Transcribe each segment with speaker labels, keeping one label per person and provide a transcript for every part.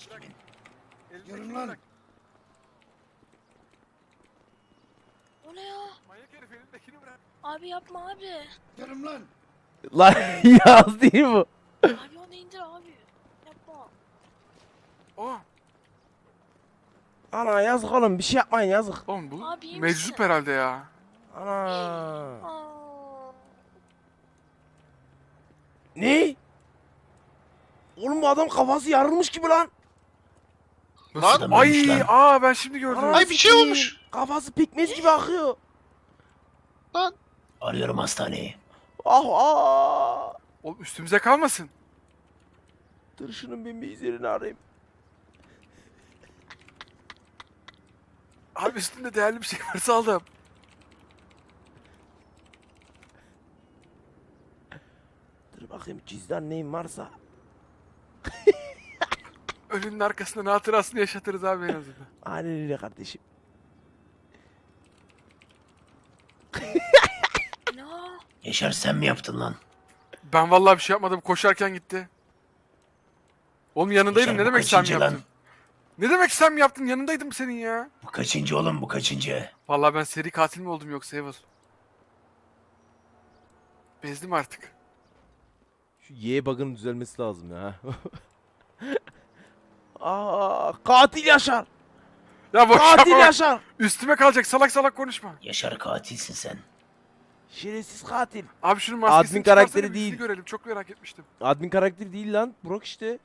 Speaker 1: kimin?
Speaker 2: Yarın lan.
Speaker 3: O ne ya?
Speaker 4: Manyak herif elindekini bırak.
Speaker 3: Abi yapma abi.
Speaker 2: Yarım lan.
Speaker 5: Lan yaz değil bu.
Speaker 3: Abi onu indir abi. Yapma.
Speaker 4: Oh.
Speaker 5: Ana yazık oğlum bir şey yapmayın yazık.
Speaker 4: Oğlum bu
Speaker 3: Abi iyi
Speaker 4: meczup
Speaker 3: misin?
Speaker 4: herhalde ya.
Speaker 5: Ana.
Speaker 3: Aa.
Speaker 5: Ne? Oğlum bu adam kafası yarılmış gibi lan.
Speaker 4: Nasıl?
Speaker 1: Lan,
Speaker 4: Ay
Speaker 1: ölmüş lan.
Speaker 4: ben şimdi gördüm.
Speaker 5: Ana
Speaker 1: Ay, bir şey
Speaker 5: sikeyim.
Speaker 1: olmuş.
Speaker 5: Kafası pekmez gibi akıyor.
Speaker 1: Arıyorum hastaneyi.
Speaker 5: Ah ah.
Speaker 4: Oğlum üstümüze kalmasın.
Speaker 5: Dur şunun ben bir izlerini arayayım.
Speaker 4: Abi üstünde değerli bir şey varsa aldım.
Speaker 5: Dur bakayım cüzdan neyim varsa.
Speaker 4: Ölünün arkasından hatırasını yaşatırız abi en azından.
Speaker 5: Aynen öyle kardeşim.
Speaker 3: Ne o?
Speaker 1: Yaşar sen mi yaptın lan?
Speaker 4: Ben vallahi bir şey yapmadım. Koşarken gitti. Oğlum yanındaydım.
Speaker 1: Yaşar,
Speaker 4: Ne
Speaker 1: bu
Speaker 4: demek sen mi
Speaker 1: kaçıncı lan?
Speaker 4: yaptın? Ne demek sen mi yaptın? Yanındaydım senin ya.
Speaker 1: Bu kaçıncı oğlum bu kaçıncı?
Speaker 4: Vallahi ben seri katil mi oldum yoksa Evil? Bezdim artık.
Speaker 5: Şu Y bug'ın düzelmesi lazım ya. Aa, katil Yaşar.
Speaker 4: Ya boş
Speaker 5: Katil
Speaker 4: yapma.
Speaker 5: Yaşar.
Speaker 4: Üstüme kalacak. Salak salak konuşma.
Speaker 1: Yaşar katilsin sen.
Speaker 5: Şerefsiz katil.
Speaker 4: Abi şunun maskesini
Speaker 5: Admin
Speaker 4: çıkarsana,
Speaker 5: karakteri
Speaker 4: bir yüzünü
Speaker 5: değil.
Speaker 4: görelim. Çok merak etmiştim.
Speaker 5: Admin karakteri değil lan. Brock işte.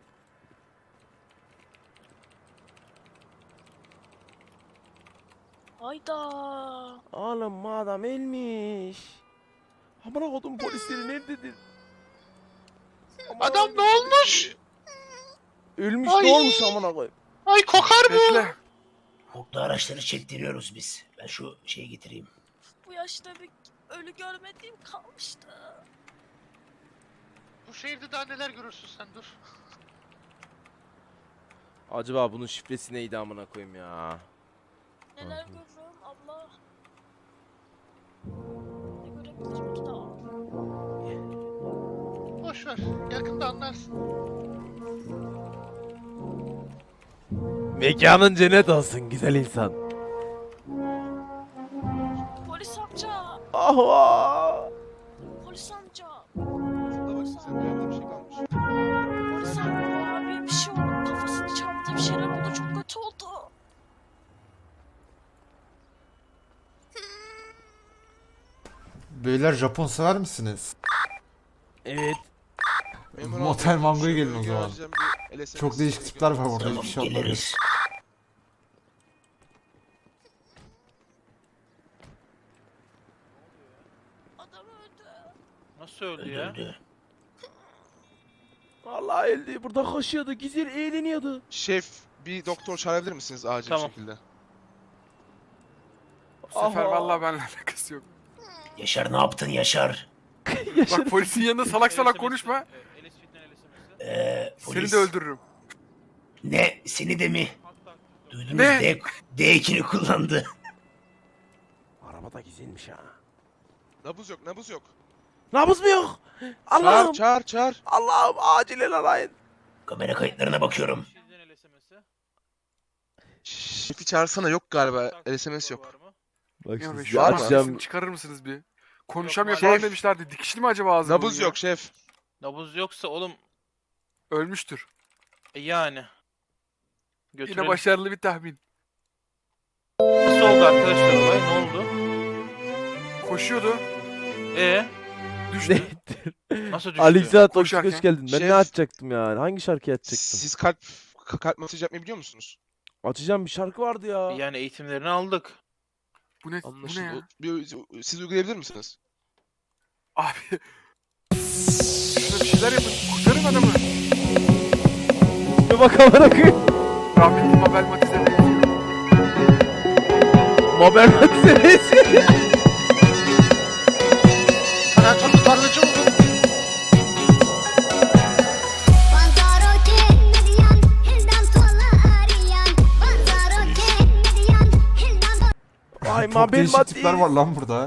Speaker 3: Hayda.
Speaker 5: Oğlum bu adam ölmüş. Amına kodum polisleri nerededir? Aman
Speaker 6: Adam
Speaker 5: Allah'ım.
Speaker 6: ne olmuş?
Speaker 5: Ölmüş
Speaker 6: Ay.
Speaker 5: ne olmuş amına koyayım.
Speaker 6: Ay kokar bu.
Speaker 4: Bekle.
Speaker 1: Koklu araçları çektiriyoruz biz. Ben şu şeyi getireyim.
Speaker 3: Bu yaşta bir ölü görmediğim kalmıştı.
Speaker 6: Bu şehirde daha neler görürsün sen dur.
Speaker 5: Acaba bunun şifresi neydi amına koyayım ya?
Speaker 3: Neler görürüm abla. Ne görebilirim ki daha?
Speaker 6: Boş ver. Yakında anlarsın.
Speaker 5: Mekanın cennet olsun güzel insan.
Speaker 3: Polis amca.
Speaker 5: Ah ah.
Speaker 3: Polis amca.
Speaker 7: Şurada bak size bir yerde bir şey kalmış.
Speaker 3: Polis amca abi bir şey oldu. Kafasını çarptı, bir şeyler oldu. Çok kötü oldu.
Speaker 8: Beyler Japon sever misiniz?
Speaker 5: Evet.
Speaker 7: Memur
Speaker 8: Motel
Speaker 7: abi,
Speaker 8: Mango'ya
Speaker 7: şu
Speaker 8: gelin o
Speaker 7: bölgeye
Speaker 8: zaman.
Speaker 7: vereceğim bir LSMS
Speaker 8: Çok değişik tipler var orada,
Speaker 1: Tamam
Speaker 8: hiçbir şey olmaz.
Speaker 1: geliriz.
Speaker 3: Adam öldü.
Speaker 6: Nasıl öldü ya?
Speaker 1: Öldürdü.
Speaker 5: Vallahi öldü. Burada koşuyordu. Güzel eğleniyordu.
Speaker 7: Şef bir doktor çağırabilir misiniz acil
Speaker 6: Tamam.
Speaker 7: bir şekilde?
Speaker 4: Bu sefer
Speaker 5: Aha.
Speaker 4: vallahi benimle alakası yok.
Speaker 1: Yaşar ne yaptın Yaşar?
Speaker 4: Bak polisin yanında salak salak konuşma. Seni
Speaker 1: Polis.
Speaker 4: de öldürürüm.
Speaker 1: Ne? Seni de mi? Duydunuz
Speaker 4: Ne?
Speaker 1: D2'ni kullandı.
Speaker 5: Araba da güzelmiş ha.
Speaker 7: Nabız yok, nabız yok.
Speaker 5: Nabız mı yok? Allah'ım.
Speaker 7: Çağır.
Speaker 5: Allah'ım acilen arayın.
Speaker 1: Kamera kayıtlarına bakıyorum.
Speaker 7: Şefi çağırsana, yok galiba. LSMS yok.
Speaker 5: Bak
Speaker 4: Ya
Speaker 5: şimdi
Speaker 4: be,
Speaker 5: size
Speaker 4: şu
Speaker 7: var mı?
Speaker 5: açacağım.
Speaker 4: çıkarır mısınız bir? Konuşamıyor falan
Speaker 7: Şef.
Speaker 4: demişlerdi. Dikişli mi acaba ağzı?
Speaker 7: Nabız
Speaker 4: bunun ya?
Speaker 7: yok şef.
Speaker 6: Nabız yoksa oğlum
Speaker 4: Ölmüştür.
Speaker 6: yani.
Speaker 4: Yine
Speaker 6: Götürelim.
Speaker 4: başarılı bir tahmin.
Speaker 6: Nasıl oldu arkadaşlar olay? Ne oldu?
Speaker 4: Koşuyordu. Düştü.
Speaker 6: Nasıl düştü?
Speaker 5: Alexia Toksik
Speaker 4: Koşarken.
Speaker 5: hoş geldin. Ben
Speaker 7: Şef.
Speaker 5: ne açacaktım ya? Hangi şarkıyı açacaktım?
Speaker 7: Siz kalp masajı yapmayı biliyor musunuz?
Speaker 5: Açacağım bir şarkı vardı ya.
Speaker 6: Yani eğitimlerini aldık.
Speaker 4: Bu ne? Bu ne
Speaker 7: Anlaşıldı.
Speaker 4: ya?
Speaker 7: Siz uygulayabilir misiniz?
Speaker 4: Abi. Şuna bir şeyler yapın. Kurtarın adamı.
Speaker 5: Bir bakalım bakayım.
Speaker 4: Rahmetli Mabel Matiz'e benziyor.
Speaker 5: Mabel Matizesi.
Speaker 6: Tarlaçı tarlacı oldu.
Speaker 5: Ay
Speaker 8: Çok
Speaker 5: Mabel
Speaker 8: değişik
Speaker 5: Matiz.
Speaker 8: tipler var lan burada.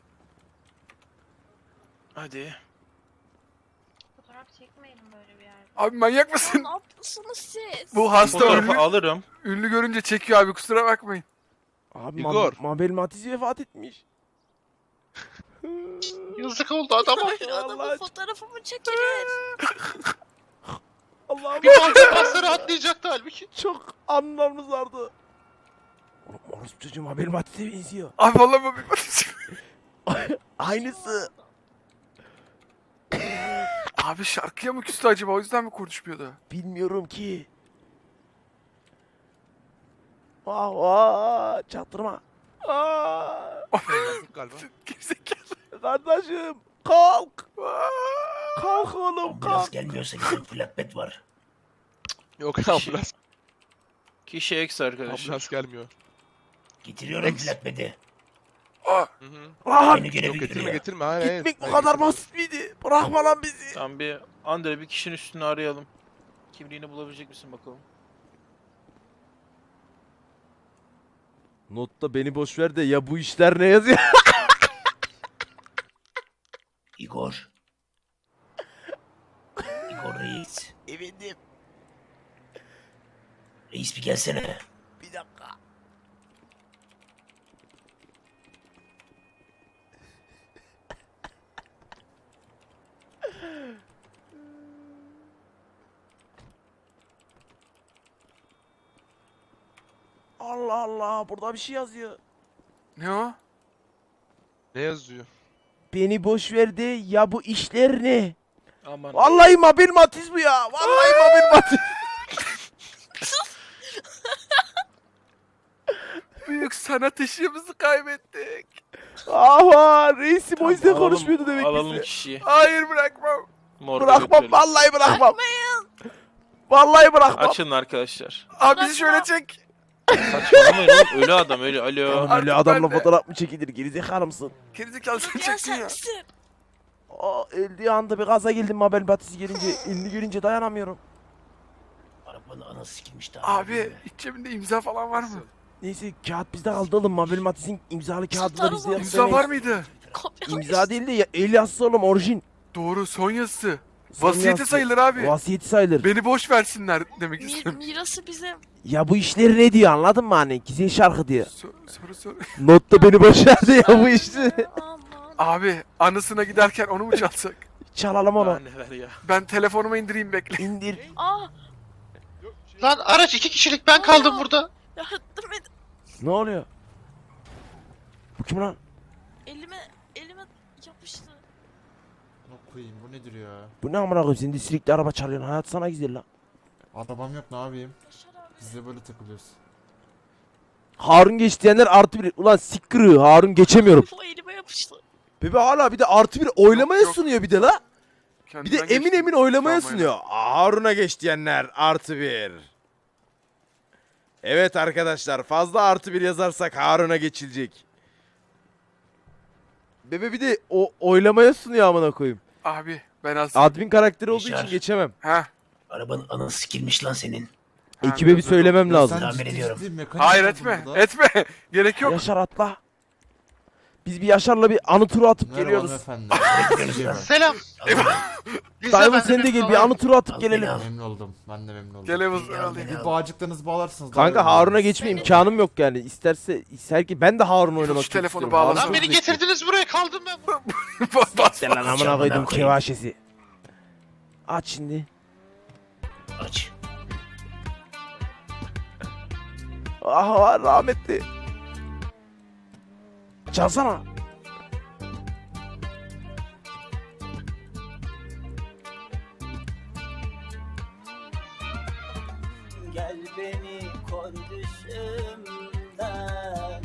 Speaker 6: Hadi.
Speaker 9: Fotoğraf çekmeyelim böyle bir yerde.
Speaker 4: Abi manyak mısın?
Speaker 3: Ne yapıyorsunuz siz?
Speaker 4: Bu hasta
Speaker 6: Fotoğrafı
Speaker 4: ünlü,
Speaker 6: alırım.
Speaker 4: ünlü görünce çekiyor abi, kusura bakmayın.
Speaker 5: Abi
Speaker 7: Igor.
Speaker 5: Mabel Matiz vefat etmiş.
Speaker 6: Yazık oldu adama.
Speaker 3: Hayır adamın fotoğrafımı çekilir.
Speaker 5: Allah'ım
Speaker 6: Bir balta pasta rahatlayacaktı halbuki.
Speaker 5: çok anılarımız vardı. Oğlum orospu çocuğum Mabel Matiz'e benziyor.
Speaker 4: Abi vallahi bu bir
Speaker 5: Aynısı.
Speaker 4: Abi şarkıya mı küstü acaba, o yüzden mi konuşmuyordu?
Speaker 5: Bilmiyorum ki. Vah vah çaktırma. Aa,
Speaker 7: Yazık galiba.
Speaker 4: Gerizekalı.
Speaker 5: kardeşim kalk. Kalk oğlum
Speaker 1: Ambulans
Speaker 5: kalk.
Speaker 1: gelmiyorsa gidin, flatbed var.
Speaker 7: Yok ambulans.
Speaker 6: Kişi eks arkadaşlar.
Speaker 7: Ambulans gelmiyor.
Speaker 1: Getiriyorum
Speaker 7: Ex.
Speaker 1: flatbed'i.
Speaker 4: Aa,
Speaker 7: Hı hı.
Speaker 5: Lan
Speaker 1: Aynı görevi
Speaker 7: Yok getirme
Speaker 1: görüyor.
Speaker 7: getirme. Hayır hayır.
Speaker 5: gitmek bu
Speaker 7: Hayır,
Speaker 5: kadar
Speaker 7: getirme.
Speaker 5: basit miydi? Bırakma lan bizi.
Speaker 6: Tamam bir Andre bir kişinin üstünü arayalım. Kimliğini bulabilecek misin bakalım?
Speaker 5: Notta beni boş ver de ya bu işler ne yazıyor?
Speaker 1: Igor. Igor reis.
Speaker 5: Efendim
Speaker 1: Reis bir gelsene.
Speaker 5: bir dakika. Allah Allah burada bir şey yazıyor.
Speaker 4: ne o?
Speaker 7: Ne yazıyor?
Speaker 5: Beni boş ver de ya bu işler ne?
Speaker 6: Aman.
Speaker 5: Vallahi Mabel Matiz bu ya. Vallahi Mabel Matiz.
Speaker 4: Büyük sanat ışığımızı kaybettik.
Speaker 5: Aha reisim o yüzden
Speaker 6: Alalım-
Speaker 5: konuşmuyordu demek
Speaker 6: Alalım
Speaker 5: ki.
Speaker 6: kişiyi.
Speaker 4: Hayır, bırakmam.
Speaker 6: Morga
Speaker 5: Bırakmam
Speaker 6: götürelim.
Speaker 5: vallahi bırakmam. Vallahi bırakmam.
Speaker 6: Açın arkadaşlar.
Speaker 4: Abi bizi şöyle çek.
Speaker 6: Saçmalamayın oğlum. Ölü adam ölü. Alo.
Speaker 5: Oğlum
Speaker 4: Artık
Speaker 5: öyle adamla
Speaker 4: ben de-
Speaker 5: fotoğraf mı çekilir gerizekalı mısın?
Speaker 4: Gerizekalı sen
Speaker 3: Ya
Speaker 4: çektin
Speaker 3: sen
Speaker 4: ya.
Speaker 3: misin?
Speaker 5: Aa öldüğü anda bir gaza geldim Mabel Matiz gelince elini görünce dayanamıyorum.
Speaker 1: Arabanın anası sikilmiş daha.
Speaker 4: Abi iç cebinde imza falan var mı?
Speaker 5: Neyse kağıt bizde kaldı oğlum Mabel Matiz'in imzalı kağıdı da
Speaker 3: Satarım
Speaker 5: bizde
Speaker 3: onu.
Speaker 5: yok.
Speaker 4: İmza var mıydı?
Speaker 3: Kopya
Speaker 5: İmza değil de ya, el yazısı oğlum orijin.
Speaker 4: Doğru, son yazısı.
Speaker 5: Son
Speaker 4: Vasiyeti
Speaker 5: yazısı.
Speaker 4: sayılır abi.
Speaker 5: Vasiyeti sayılır.
Speaker 4: Beni boş versinler demek istiyorum.
Speaker 3: Mirası bizim.
Speaker 5: Ya bu işleri ne diyor anladın mı hani? Güzel şarkı diyor.
Speaker 4: Soru.
Speaker 5: Notta beni boş ver de ya bu işleri.
Speaker 3: Aman.
Speaker 4: Abi anısına giderken onu mu çalsak?
Speaker 5: Çalalım onu.
Speaker 6: Daha neler ya.
Speaker 4: Ben telefonuma indireyim, bekle.
Speaker 5: İndir.
Speaker 3: Aa
Speaker 6: Lan araç 2 kişilik ben kaldım
Speaker 3: Aa.
Speaker 6: burada.
Speaker 3: yardım edin.
Speaker 5: Ne oluyor? Bu kim lan?
Speaker 3: Elime yapıştı.
Speaker 8: Ne koyayım, bu nedir ya?
Speaker 5: Bu ne amına koyayım? Sen de sürekli araba çalıyorsun. Hayat sana güzel lan.
Speaker 8: Arabam yok, ne yapayım?
Speaker 3: Yaşar abi.
Speaker 8: Biz de böyle takılıyoruz.
Speaker 5: Harun geç diyenler artı bir. Ulan sikkırı Harun geçemiyorum.
Speaker 3: Bu elime yapıştı.
Speaker 5: Bebe hala bir de artı bir oylamaya
Speaker 4: Yok, yok.
Speaker 5: sunuyor bir de la. Bir de
Speaker 4: Kendinden
Speaker 5: emin
Speaker 4: geçtim.
Speaker 5: emin oylamaya
Speaker 4: Tamam,
Speaker 5: sunuyor. Harun'a geç diyenler artı bir. Evet arkadaşlar fazla artı bir yazarsak Harun'a geçilecek. Bebe bir de o oylamaya sunuyor amına koyayım.
Speaker 4: Abi ben az...
Speaker 5: Admin karakteri olduğu
Speaker 1: Yaşar.
Speaker 5: için geçemem.
Speaker 4: Ha.
Speaker 1: Arabanın anası sikilmiş lan senin.
Speaker 4: Ha,
Speaker 5: Ekibe bir
Speaker 4: biraz
Speaker 5: söylemem
Speaker 8: Ya
Speaker 5: lazım.
Speaker 8: sen
Speaker 1: Tahmin
Speaker 8: ciddi
Speaker 1: ediyorum.
Speaker 8: ciddi mekanik
Speaker 4: Hayır
Speaker 8: oldun
Speaker 4: etme.
Speaker 8: burada.
Speaker 4: Etme. Gerek yok.
Speaker 5: Yaşar atla. Biz bir Yaşar'la bir anı turu atıp
Speaker 8: Merhaba
Speaker 5: geliyoruz.
Speaker 8: hanımefendi.
Speaker 6: Selam.
Speaker 5: Diamond sen de gel bir anı turu atıp
Speaker 1: Al
Speaker 5: gelelim.
Speaker 1: beni al.
Speaker 8: Memnun oldum. Ben de memnun oldum.
Speaker 4: Gel Yavuz,
Speaker 1: Beni al,
Speaker 4: alayım.
Speaker 1: beni
Speaker 8: Bir
Speaker 1: al.
Speaker 8: bağcıklarınızı bağlarsınız. daha
Speaker 5: Kanka
Speaker 8: iyi olur.
Speaker 5: Harun'a geçme imkanım yok yani. İsterse ki ben de Harun oynamak
Speaker 4: Şu telefonu
Speaker 5: istiyorum.
Speaker 4: bağlasana.
Speaker 5: Harun
Speaker 6: Lan beni
Speaker 5: çok zevkli.
Speaker 6: getirdiniz buraya kaldım ben.
Speaker 4: Bas.
Speaker 5: Sen lan amına
Speaker 1: Canına
Speaker 5: koydum
Speaker 1: koyayım.
Speaker 5: kevaşesi. Aç şimdi.
Speaker 1: Aç.
Speaker 5: Ah rahmetli. Çalsana.
Speaker 9: Gel beni kor düşümden,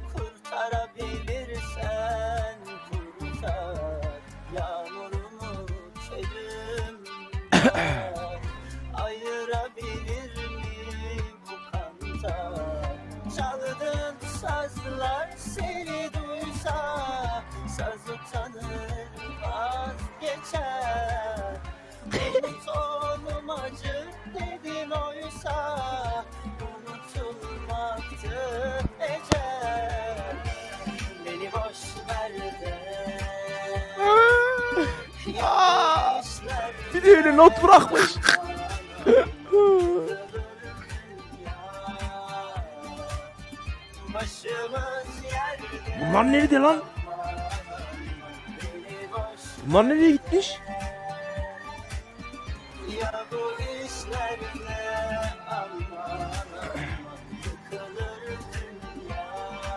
Speaker 9: kurtarabilirsen kurtar. Yağmurumu çölümden, ayırabilir mi bu kantar? Çaldığın sazlar seni duysa, saz utanır vazgeçer. Sonum acı dedin oysa, unutulmaktı ecel. Beni boş ver de
Speaker 5: Bir de öyle not bırakmış. Bunlar nerede lan? Bunlar nereye gitmiş?
Speaker 9: Ya bu işlerle aman yıkılır dünya.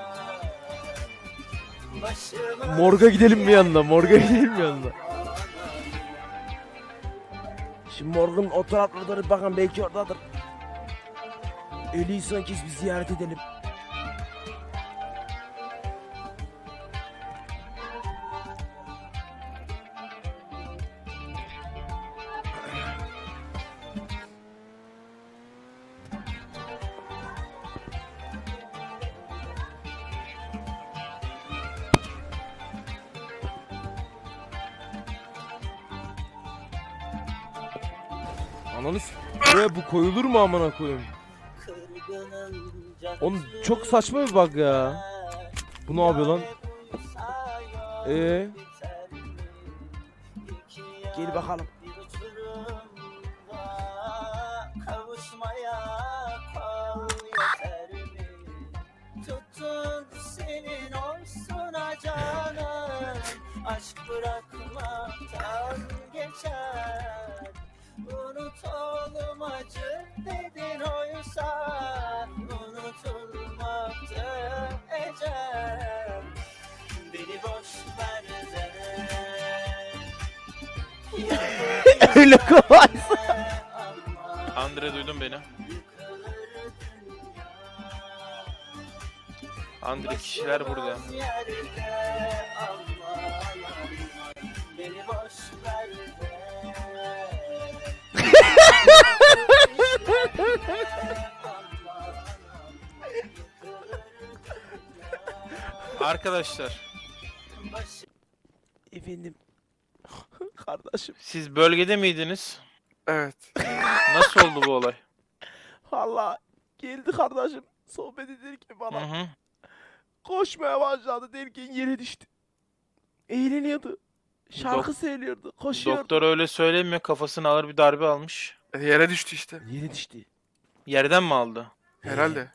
Speaker 9: Başıma
Speaker 5: Morga gidelim bir yandan. Morga gidelim bir yandan. Şimdi morgun o taraflardır bakın belki oradadır. Ölüyü son kez bir ziyaret edelim. Ananı s***ye bu koyulur mu amına koyayım?
Speaker 9: kırgınım
Speaker 5: Oğlum çok saçma bir bug ya. Bu ne yapıyor lan? Gel bakalım.
Speaker 9: Kavuşmaya kal yeter mi? Tutun senin olsun canım. Aşk bırakmaktan geçer. Unutalım acı dedin oysa. Unutulmaktı ecel. Beni boş ver de.
Speaker 5: Öyle kolay.
Speaker 6: Andre duydun beni. Andre kişiler burada.
Speaker 9: Beni boş ver de.
Speaker 6: Arkadaşlar
Speaker 5: Efendim. Kardeşim.
Speaker 6: siz bölgede miydiniz?
Speaker 4: Evet.
Speaker 6: Nasıl oldu bu olay?
Speaker 5: Valla geldi kardeşim. Sohbet ederken
Speaker 6: Hı
Speaker 5: bana
Speaker 6: hı.
Speaker 5: koşmaya başladı derken yere düştü. Eğleniyordu. Şarkı söylüyordu. Koşuyordu.
Speaker 6: Doktor öyle söylemiyor. Kafasına ağır bir darbe almış.
Speaker 4: Yere düştü işte.
Speaker 5: Yere düştü.
Speaker 6: Yerden mi aldı?
Speaker 4: Herhalde.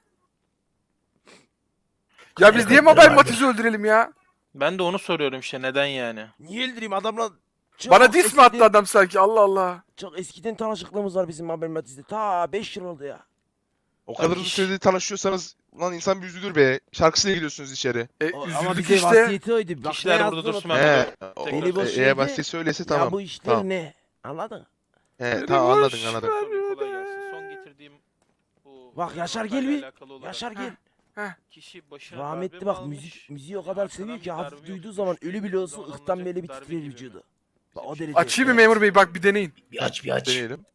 Speaker 4: Ya biz niye Mabel Matiz'i öldürelim ya?
Speaker 6: Ben de onu soruyorum işte neden yani?
Speaker 5: Niye öldüreyim adamla? Çok
Speaker 4: Bana diss mi attı
Speaker 5: eskiden-
Speaker 4: adam sanki? Allah Allah.
Speaker 5: Çok eskiden tanışıklığımız var bizim Mabel Matiz'de. Ta 5 yıl oldu ya.
Speaker 7: O kadar uzun süredir tanışıyorsanız ulan insan bir üzülür be. Şarkısıyla gidiyorsunuz içeri.
Speaker 5: Ama
Speaker 4: Üzüldük
Speaker 5: bize
Speaker 4: işte.
Speaker 5: vasiyeti oydu. Bak,
Speaker 6: Kişiler
Speaker 5: ne
Speaker 6: burada
Speaker 5: yazdığını
Speaker 6: dursun,
Speaker 5: unutma.
Speaker 6: ben
Speaker 7: He.
Speaker 6: Beni
Speaker 5: boş
Speaker 7: Eğer
Speaker 5: ver de-
Speaker 7: vasiyet söylese
Speaker 5: Ya
Speaker 7: tamam.
Speaker 5: bu işler
Speaker 7: Tamam.
Speaker 5: ne? Anladın?
Speaker 7: He, tamam anladın anladın.
Speaker 6: Tabii, kolay gelsin. Son getirdiğim bu
Speaker 5: Bak Yaşar
Speaker 6: olayla
Speaker 5: gel bir.
Speaker 6: alakalı olarak
Speaker 5: Yaşar gel.
Speaker 6: kişi başına
Speaker 5: Rahmetli
Speaker 6: darbe
Speaker 5: bak
Speaker 6: mi almış,
Speaker 5: müziği o kadar seviyor ki
Speaker 6: arkadan bir
Speaker 5: hafif
Speaker 6: darbe
Speaker 5: duyduğu
Speaker 6: yok,
Speaker 5: zaman
Speaker 6: düştüğü
Speaker 5: ölü bile olsun
Speaker 6: zaman
Speaker 5: ıhtan
Speaker 6: alınacak
Speaker 5: böyle bir
Speaker 6: darbe
Speaker 5: titrer
Speaker 6: gibi mi?
Speaker 5: vücudu. Bak o
Speaker 6: Bizim
Speaker 5: derece.
Speaker 4: Açayım mı memur bey? Bak bir deneyin.
Speaker 1: Bir aç bir aç.
Speaker 7: Deneyelim.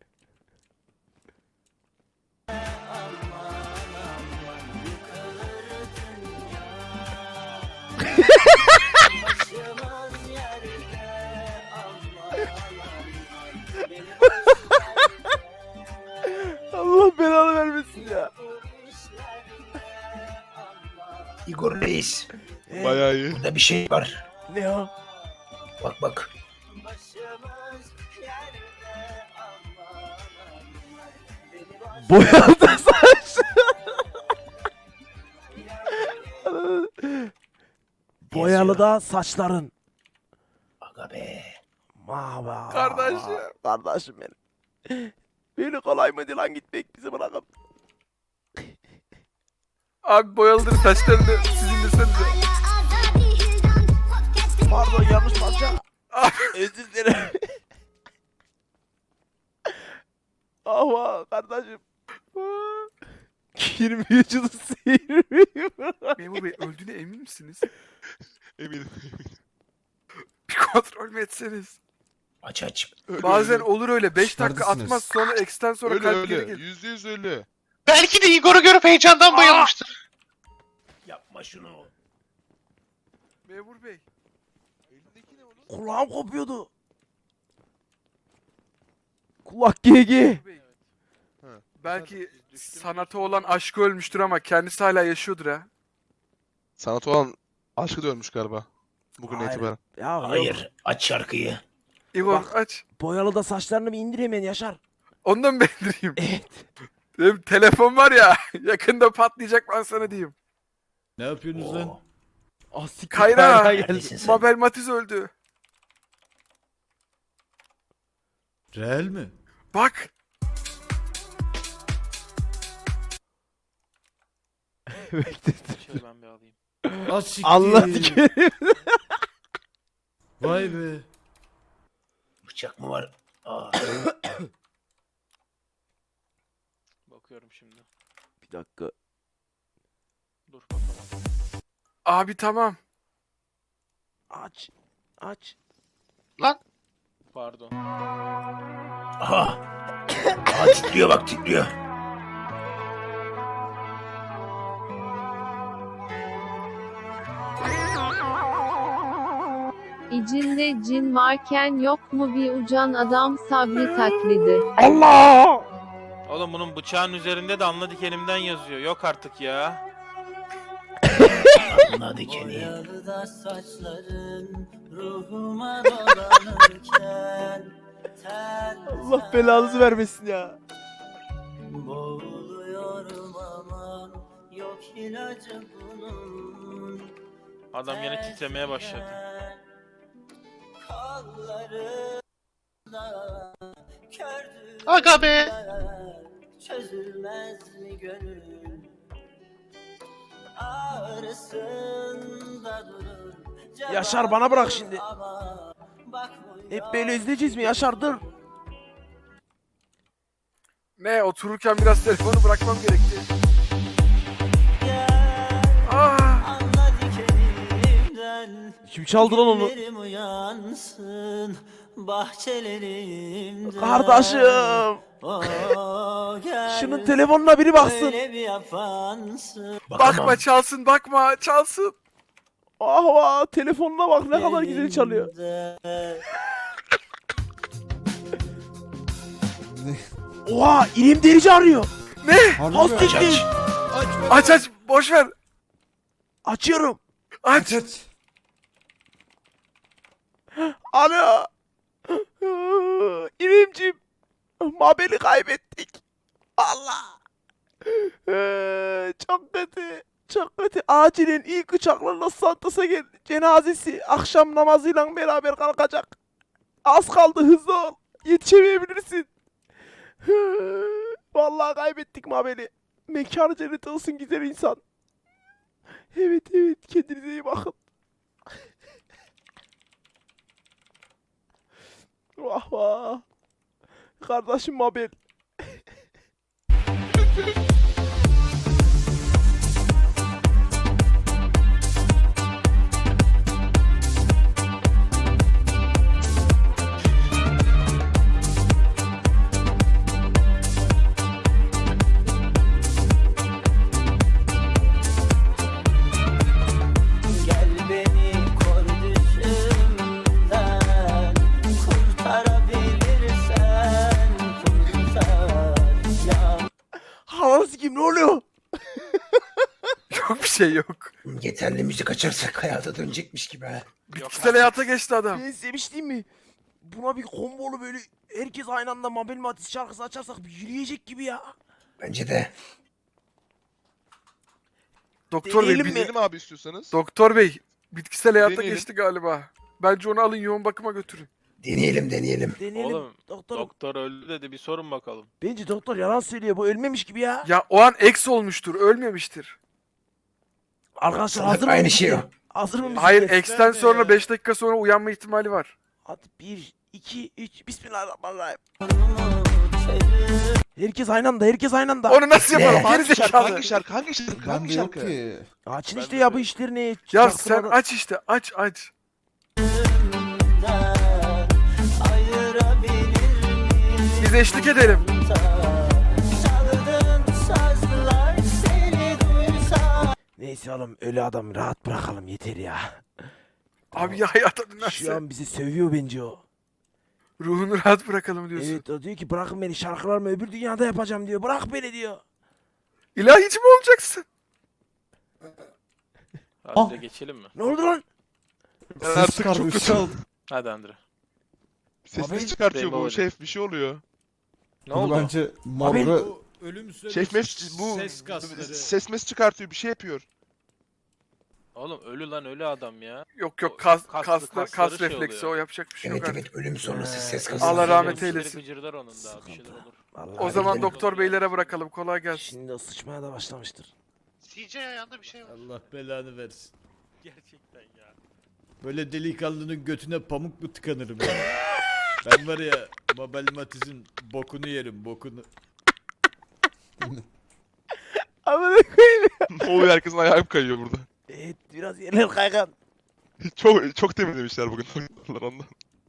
Speaker 9: Başımız yerde aman. Beni boş ver de.
Speaker 5: Allah belanı vermesin ya.
Speaker 9: Bu işlerle aman.
Speaker 1: Igor Reis.
Speaker 7: Bayağı iyi.
Speaker 1: Burada bir şey var.
Speaker 5: Ne o?
Speaker 1: Bak bak.
Speaker 9: Başımız yerde aman. Beni boş
Speaker 5: Boyalı saç. Boyalı da saçların.
Speaker 1: Aga be.
Speaker 5: Mava.
Speaker 4: Kardeşim.
Speaker 5: Kardeşim benim. Böyle kolay mıydı lan gitmek bizi bırakıp.
Speaker 4: Abi boyalıdır saçlarını siz indirsenize.
Speaker 5: Pardon yanlış parça. Özür dilerim. Ama kardeşim. Kirmi vücudu sıyırmıyor.
Speaker 4: Memur bey öldüğüne emin misiniz?
Speaker 7: Eminim.
Speaker 4: Bir kontrol mü etseniz?
Speaker 1: Aç aç.
Speaker 4: Bazen olur öyle. 5 dakika
Speaker 8: Neredesiniz?
Speaker 4: atmaz sonra X'ten sonra
Speaker 7: Ölü
Speaker 4: kalp geri
Speaker 7: ölü.
Speaker 4: gelir.
Speaker 7: %100 ölü.
Speaker 6: Belki de Igor'u görüp heyecandan bayılmıştır.
Speaker 1: Yapma şunu.
Speaker 4: Memur bey.
Speaker 7: Elindeki ne oğlum?
Speaker 5: Kulağım kopuyordu. Kulak GG.
Speaker 4: Memur bey.
Speaker 7: Ha.
Speaker 4: Belki sanata olan aşkı ölmüştür ama kendisi hala yaşıyordur ha.
Speaker 7: Sanat olan aşkı da ölmüş galiba. Bugün
Speaker 5: Hayır.
Speaker 7: itibaren.
Speaker 5: Ya yok.
Speaker 1: Hayır. Aç şarkıyı.
Speaker 4: İgor
Speaker 5: Bak.
Speaker 4: aç.
Speaker 5: Boyalı da saçlarını bir indir hemen Yaşar.
Speaker 4: Ondan mı indireyim?
Speaker 5: Evet.
Speaker 4: Benim telefon var ya yakında patlayacak ben sana diyeyim.
Speaker 8: Ne yapıyorsunuz lan?
Speaker 1: Oo.
Speaker 5: Ah siktir.
Speaker 4: Kayra!
Speaker 5: geldi.
Speaker 1: Neredesin sen?
Speaker 4: Mabel Matiz öldü.
Speaker 8: Reel mi?
Speaker 4: Bak.
Speaker 6: Şöyle ben bir alayım.
Speaker 8: Az siktir.
Speaker 5: Allah dikerim.
Speaker 8: Vay be.
Speaker 1: Bıçak mı var? Aa,
Speaker 6: Bakıyorum şimdi.
Speaker 5: Bir dakika.
Speaker 6: Dur bakalım.
Speaker 4: Abi tamam.
Speaker 5: Aç. Aç.
Speaker 6: Pardon.
Speaker 1: aha. Aha titriyor bak titriyor.
Speaker 10: İçinde cin varken yok mu bir ucan adam Sabri taklidi?
Speaker 5: Allah!
Speaker 6: Oğlum bunun bıçağın üzerinde de anla dikenimden yazıyor. Yok artık ya.
Speaker 1: Anla dikeni.
Speaker 9: Boyalı da saçların ruhuma dolanırken
Speaker 5: Allah belanızı vermesin ya.
Speaker 9: boğuluyorum aman yok ilacı bunun.
Speaker 6: Adam yine titremeye başladı.
Speaker 9: Kollarında kördür
Speaker 7: Aga be!
Speaker 9: çözülmez mi gönül? Ağrısında durur.
Speaker 5: Yaşar, bana bırak şimdi.
Speaker 9: Ama bakmıyor.
Speaker 5: Hep böyle izleyeceğiz mi Yaşar, dur.
Speaker 4: Ne otururken biraz telefonu bırakmam gerekti.
Speaker 9: Anla dikenimden.
Speaker 5: Kim çaldı lan onu?
Speaker 9: Günlerim uyansın bahçelerimde.
Speaker 5: Kardeşim.
Speaker 9: Gel,
Speaker 5: Şunun telefonuna biri baksın.
Speaker 9: öyle bir yapansın.
Speaker 1: Bakamam.
Speaker 4: Bakma çalsın bakma çalsın.
Speaker 5: Ah vah, telefonuna bak ne kadar güzel çalıyor. Oha, İrem Derici arıyor.
Speaker 8: Harbi
Speaker 5: Az
Speaker 8: mi?
Speaker 5: siktir.
Speaker 4: Aç boş ver.
Speaker 5: Açıyorum.
Speaker 4: Aç.
Speaker 8: Aç.
Speaker 5: Alo. İremciğim. Mabel'i kaybettik. Allah. Çok kötü. Çok kötü. Acilen ilk uçaklarla Santos'a gel. Cenazesi akşam namazıyla beraber kalkacak. Az kaldı, hızlı ol. Yetişemeyebilirsin. Vallahi kaybettik Mabel'i. Mekanı cennet olsun güzel insan. Evet kendinize iyi bakın. Vah vah. Kardeşim Mabel.
Speaker 9: Gel beni kor düşümden kurtarabilirsen kurtar ya.
Speaker 5: Halanı sikeyim, ne oluyor?
Speaker 4: Yok bir şey yok.
Speaker 1: Yeterli müzik açarsak hayata dönecekmiş gibi ha.
Speaker 4: Bitkisel hayata geçti adam.
Speaker 5: Ben sevmiştim mi? Buna bir kombolu böyle herkes aynı anda Mabel Matiz şarkısı açarsak bir yürüyecek gibi ya.
Speaker 1: Bence de.
Speaker 4: Doktor Bey,
Speaker 5: Deneyelim mi?
Speaker 7: Binelim abi istiyorsanız.
Speaker 4: Doktor Bey, bitkisel hayata
Speaker 7: Deneyelim.
Speaker 4: geçti galiba. Bence onu alın yoğun bakıma götürün.
Speaker 1: Deneyelim.
Speaker 5: Deneyelim.
Speaker 6: Oğlum,
Speaker 5: Doktor.
Speaker 6: Doktor öldü dedi, bir sorun bakalım.
Speaker 5: Bence doktor yalan söylüyor. Bu ölmemiş gibi ya.
Speaker 4: Ya o an ex olmuştur, ölmemiştir.
Speaker 5: Arkadaşlar
Speaker 1: Sanırım
Speaker 5: hazır mı?
Speaker 1: aynı
Speaker 5: müzik?
Speaker 1: şey o.
Speaker 5: Hazır mı? müzik?
Speaker 4: Hayır, ex'ten sonra 5 dakika sonra uyanma ihtimali var.
Speaker 5: Hadi 1, 2, 3. Bismillahirrahmanirrahim.
Speaker 9: Çözül
Speaker 5: Herkes aynı anda.
Speaker 4: Onu nasıl
Speaker 1: Ne?
Speaker 4: yapalım? Geri
Speaker 7: Hangi şarkı?
Speaker 4: zekalı.
Speaker 7: Hangi şarkı? Hangi şarkı?
Speaker 8: Bende
Speaker 7: Hangi
Speaker 8: yok
Speaker 7: şarkı?
Speaker 8: ki.
Speaker 5: Açın
Speaker 6: Ben
Speaker 5: işte
Speaker 6: de
Speaker 5: ya bu
Speaker 6: de-
Speaker 5: işlerini.
Speaker 4: Ya
Speaker 5: Çaktırmadan.
Speaker 4: sen aç işte, aç.
Speaker 9: ayırabilir miyim?
Speaker 4: Biz eşlik edelim.
Speaker 9: Çaldığın sazlar seni duysa.
Speaker 5: Neyse oğlum, ölü adam rahat bırakalım yeter ya.
Speaker 4: Abi ya hayata
Speaker 5: Şu
Speaker 4: dönerse.
Speaker 5: an bizi sövüyor bence o.
Speaker 4: Ruhunu rahat bırakalım diyorsun.
Speaker 5: Evet, o diyor ki bırakın beni, şarkılarımı öbür dünyada yapacağım diyor. Bırak beni diyor.
Speaker 4: İlahici mi olacaksın?
Speaker 6: Hadi de geçelim mi?
Speaker 5: Ne oldu lan?
Speaker 7: Ben
Speaker 8: Ses
Speaker 7: artık
Speaker 8: çıkardı,
Speaker 7: çok
Speaker 8: ışık
Speaker 7: kötü.
Speaker 8: aldı.
Speaker 6: Hadi Andre.
Speaker 7: Sesini çıkartıyor
Speaker 6: Rainbow
Speaker 7: bu şef, bir şey oluyor.
Speaker 6: Ne
Speaker 8: Bunu
Speaker 6: oldu?
Speaker 8: bence Mabra
Speaker 7: Şef mes bu ses mes çıkartıyor, bir şey yapıyor.
Speaker 6: Oğlum ölü lan ölü adam ya.
Speaker 4: Yok
Speaker 6: O
Speaker 4: yok kas
Speaker 6: kasları
Speaker 4: kas
Speaker 6: şey
Speaker 4: refleksi
Speaker 6: oluyor.
Speaker 4: o yapacak bir şey yok
Speaker 1: Evet
Speaker 4: artık.
Speaker 1: evet ölüm sonrası ses
Speaker 4: Allah
Speaker 1: kasılması.
Speaker 4: rahmet
Speaker 6: Gıcırları
Speaker 4: eylesin.
Speaker 6: Gıcırdar onun da bir şeyler olur.
Speaker 5: Vallahi
Speaker 4: O zaman
Speaker 5: gidelim.
Speaker 4: doktor beylere bırakalım. Kolay gelsin.
Speaker 5: Şimdi o sıçmaya da başlamıştır.
Speaker 2: CJ ayağında bir şey var.
Speaker 8: Allah belanı versin.
Speaker 6: Gerçekten ya.
Speaker 8: Böyle delikanlının götüne pamuk mu tıkanırım ya? Ben var ya Mabel Matiz'in bokunu yerim bokunu.
Speaker 5: Amına koyayım.
Speaker 7: Ne oluyor, herkesin ayağı kayıyor burada.
Speaker 5: Evet biraz yerler kaygan.
Speaker 7: Çok temizlemişler bugün doktorlar ondan.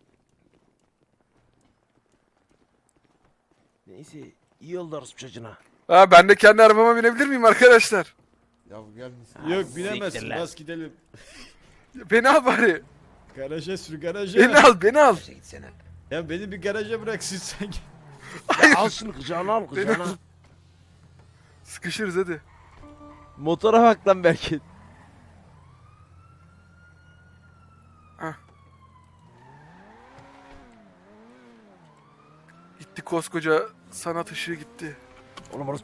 Speaker 5: Neyse iyi oldu orospu çocuğuna.
Speaker 4: Ha ben de kendi arabama binebilir miyim arkadaşlar?
Speaker 8: Ya gelmesin.
Speaker 5: Ha,
Speaker 8: Yok
Speaker 5: siktir
Speaker 8: binemezsin
Speaker 5: lan.
Speaker 8: bas gidelim.
Speaker 4: Beni al bari.
Speaker 8: Garaja sür garaja.
Speaker 4: Beni al beni al.
Speaker 1: Sen gitsene.
Speaker 8: Ya beni bir garaja bıraksın sen.
Speaker 5: Ya al şunu kucağına al kucağına.
Speaker 4: Sıkışırız hadi.
Speaker 5: Motora bak lan belki.
Speaker 4: Gitti koskoca sanat ışığı gitti.
Speaker 5: Oğlum orospu